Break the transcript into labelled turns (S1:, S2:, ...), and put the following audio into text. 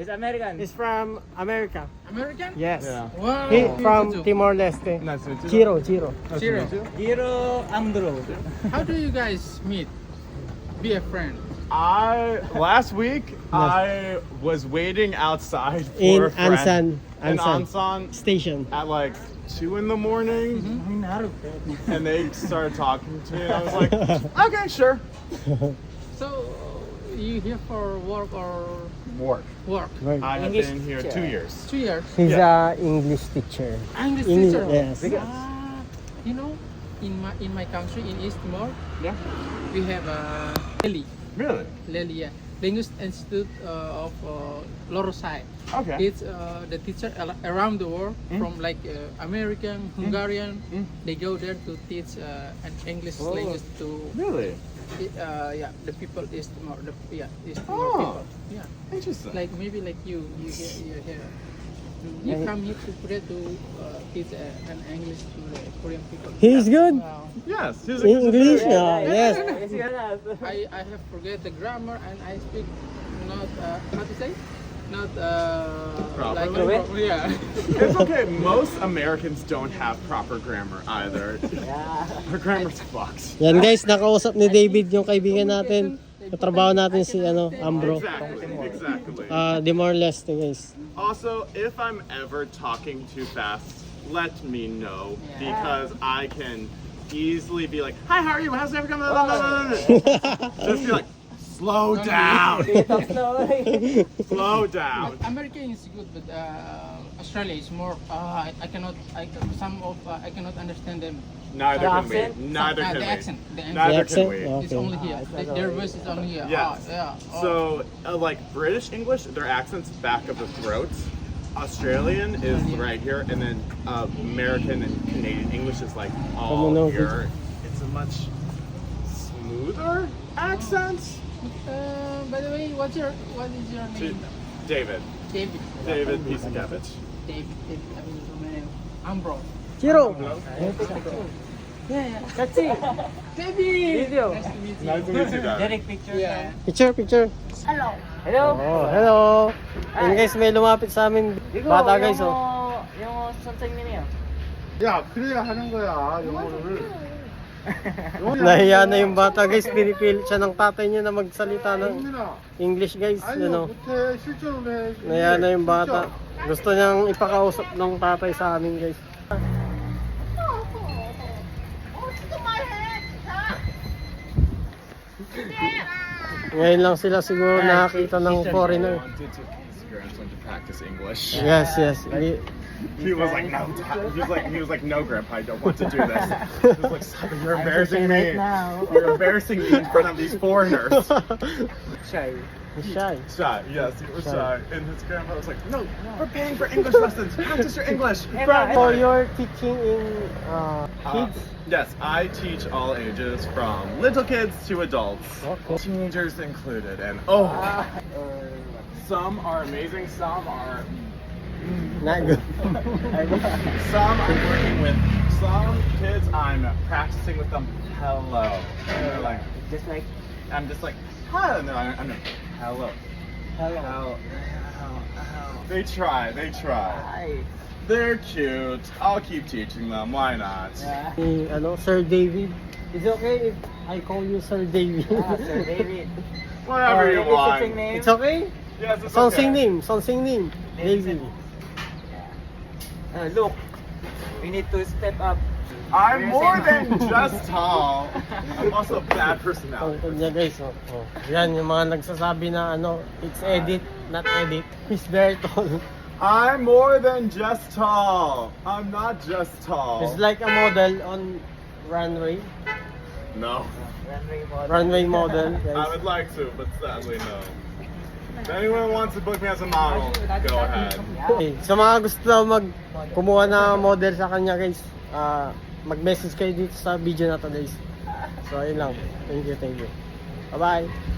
S1: He's American.
S2: He's from America.
S3: American?
S2: Yes.
S1: Yeah.
S3: Wow.
S2: He
S3: Me
S2: from
S3: too.
S2: Timor-Leste.
S1: Nice to meet you.
S2: Chiro.
S1: Nice to
S3: Chiro.
S1: meet you.
S4: Giro Andro.
S3: How do you guys meet? Be a friend.
S5: Last week I was waiting outside for
S2: In
S5: a friend in
S2: Ansan
S5: Ansan
S2: Station.
S5: at like 2 in the morning, and they started talking to me. And I was like, okay, sure.
S3: So, you here for work or
S5: Work.
S3: work?
S2: Right.
S5: I have
S4: English
S5: been here
S4: teacher.
S5: 2 years.
S3: 2 years.
S2: He's a English teacher.
S3: English
S2: English,
S3: teacher.
S2: yes.
S3: You know, in my country in East Timor,
S5: Yeah.
S3: we have Lely.
S5: Really?
S3: Lely, yeah. Linguist Institute of Lorosai.
S5: Okay.
S3: It's the teacher around the world from like American, Hungarian. They go there to teach an English language to
S5: Really?
S3: yeah, the people East Timor, East Timor
S5: Oh.
S3: people. Yeah,
S5: Interesting.
S3: like maybe like you here. You come here to Korea to teach an English to the Korean people.
S2: He's good.
S3: Wow.
S5: Yes. He's a
S2: English, yes.
S3: I have forget the grammar and I speak not how to say not
S5: Properly?
S3: like yeah.
S5: It's okay. Most Americans don't have proper grammar either. Our grammar's fucked.
S2: Yan guys, nakausap ni David yung kaibigan natin. Katrabaho natin si Ambro.
S5: Exactly.
S2: Timor-Leste guys.
S5: Also, if I'm ever talking too fast, let me know because I can easily be like, "Hi, how are you? How's everything going?" Just be like, "Slow down, slow down."
S3: American is good, but Australia is more. I cannot understand them.
S5: Neither can we.
S4: accent?
S5: Neither can
S3: The
S5: we.
S3: accent.
S5: Neither
S2: accent?
S5: can we.
S2: Oh.
S3: It's
S2: Okay.
S3: only here. Their voice is only here.
S5: Yes.
S3: Yeah.
S5: So, like British English, their accent's back of the throat. Australian is right here, and then American and Canadian English is like all
S2: Commonwealth.
S5: here. It's a much smoother accent.
S3: By the way, what is your name?
S5: David.
S3: David.
S5: David Pisakevich.
S3: David. I mean, my name. Ambro.
S2: Chiro.
S3: Yeah.
S4: Katsi.
S3: David.
S4: Video.
S3: Nice to meet you.
S5: Nice to meet you, Dad.
S4: Direct picture.
S3: Yeah.
S2: Picture.
S4: Hello.
S2: Oh, hello. Yan guys, may lumapit sa amin. Bata guys, oh.
S4: 영어 선생님이요.
S5: 야, 그래야 하는 거야, 영어를.
S2: Nahiya na yung bata guys, pinipilit siya ng tatay niya na magsalita ng English guys,
S5: 못해, 실전을 해.
S2: Nahiya na yung bata. Gusto niyang ipakausap ng tatay sa amin guys. Ngayon lang sila siguro nakakita ng foreigner.
S5: Wanted to practice English.
S2: Yes.
S5: He was like, no, Dad. He was like, no, Grandpa, I don't want to do this. He was like, stop it, you're embarrassing me. You're embarrassing me in front of these foreigners.
S4: Shy.
S2: He's shy.
S5: Shy, yes, he was shy. And his grandpa was like, no, we're paying for English lessons. Practice your English.
S2: So you're teaching in kids?
S5: Yes, I teach all ages from little kids to adults.
S2: Okay.
S5: Teenagers included. And some are amazing, some are...
S2: Not good.
S5: Some I'm working with. Some kids I'm practicing with them. Hello. And they're like,
S4: Just like
S5: I'm just like, hi. And then I'm like, hello.
S4: hello.
S5: They try.
S4: Hi.
S5: They're cute. I'll keep teaching them. Why not?
S4: Yeah.
S2: Sir David. Is it okay if I call you Sir David?
S4: Sir David.
S5: Whatever you
S4: Your
S5: want.
S4: teaching name?
S2: It's okay?
S5: Yes, it's
S2: Sonsing
S5: okay.
S2: name. David.
S4: Look, we need to step up.
S5: I'm more than just tall. I'm also a bad personality.
S2: Tungkol niya guys, oh. Yan, yung mga nagsasabi na it's edit, not edit. He's very tall.
S5: I'm more than just tall. I'm not just tall.
S2: He's like a model on runway.
S5: No.
S2: Runway model,
S5: I
S2: guys.
S5: would like to, but sadly no. If anyone wants to book me as a model, go ahead.
S2: Okay. Sa mga gusto kumuha na model sa kanya guys, mag-message kayo dito sa video na to guys. So ayun lang. Thank you. Bye-bye.